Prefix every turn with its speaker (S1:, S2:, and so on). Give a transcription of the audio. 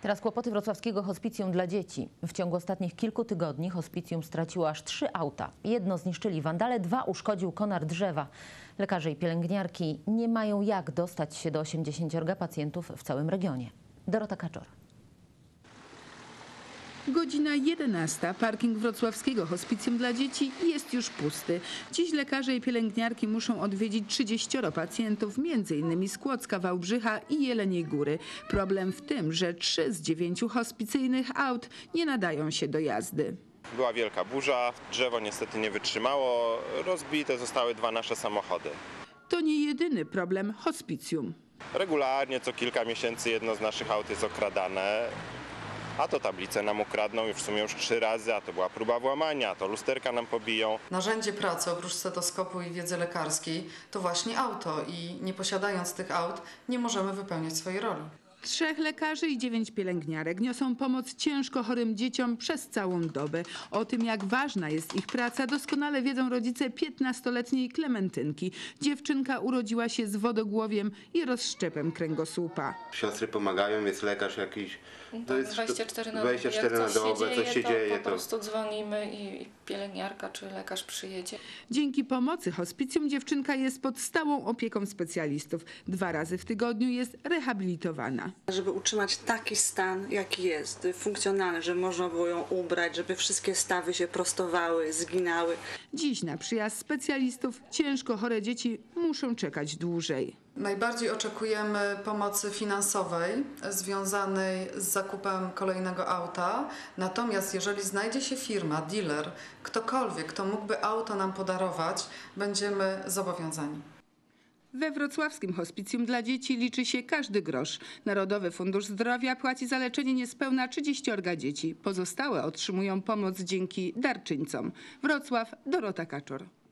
S1: Teraz kłopoty wrocławskiego hospicjum dla dzieci. W ciągu ostatnich kilku tygodni hospicjum straciło aż 3 auta. Jedno zniszczyli wandale, 2 uszkodził konar drzewa. Lekarze i pielęgniarki nie mają jak dostać się do 80 pacjentów w całym regionie. Dorota Kaczor.
S2: Godzina 11. Parking wrocławskiego hospicjum dla dzieci jest już pusty. Dziś lekarze i pielęgniarki muszą odwiedzić 30 pacjentów, m.in. z Kłodzka, Wałbrzycha i Jeleniej Góry. Problem w tym, że 3 z 9 hospicyjnych aut nie nadają się do jazdy.
S3: Była wielka burza, drzewo niestety nie wytrzymało, rozbite zostały 2 nasze samochody.
S2: To nie jedyny problem hospicjum.
S3: Regularnie co kilka miesięcy jedno z naszych aut jest okradane. A to tablice nam ukradną już w sumie 3 razy, a to była próba włamania, a to lusterka nam pobiją.
S4: Narzędzie pracy oprócz stetoskopu i wiedzy lekarskiej to właśnie auto i nie posiadając tych aut nie możemy wypełniać swojej roli.
S2: 3 lekarzy i 9 pielęgniarek niosą pomoc ciężko chorym dzieciom przez całą dobę. O tym, jak ważna jest ich praca, doskonale wiedzą rodzice 15-letniej Klementynki. Dziewczynka urodziła się z wodogłowiem i rozszczepem kręgosłupa.
S5: Siostry pomagają, jest lekarz jakiś. To jest
S6: 24 na
S5: 24 na dobę, coś się dzieje.
S6: Po prostu dzwonimy i pielęgniarka czy lekarz przyjedzie.
S2: Dzięki pomocy hospicjum dziewczynka jest pod stałą opieką specjalistów. 2 razy w tygodniu jest rehabilitowana.
S7: Żeby utrzymać taki stan, jaki jest, funkcjonalny, żeby można było ją ubrać, żeby wszystkie stawy się prostowały, zginały.
S2: Dziś na przyjazd specjalistów ciężko chore dzieci muszą czekać dłużej.
S4: Najbardziej oczekujemy pomocy finansowej związanej z zakupem kolejnego auta. Natomiast jeżeli znajdzie się firma, dealer, ktokolwiek, kto mógłby auto nam podarować, będziemy zobowiązani.
S2: We wrocławskim hospicjum dla dzieci liczy się każdy grosz. Narodowy Fundusz Zdrowia płaci za leczenie niespełna 30 dzieci. Pozostałe otrzymują pomoc dzięki darczyńcom. Wrocław, Dorota Kaczor.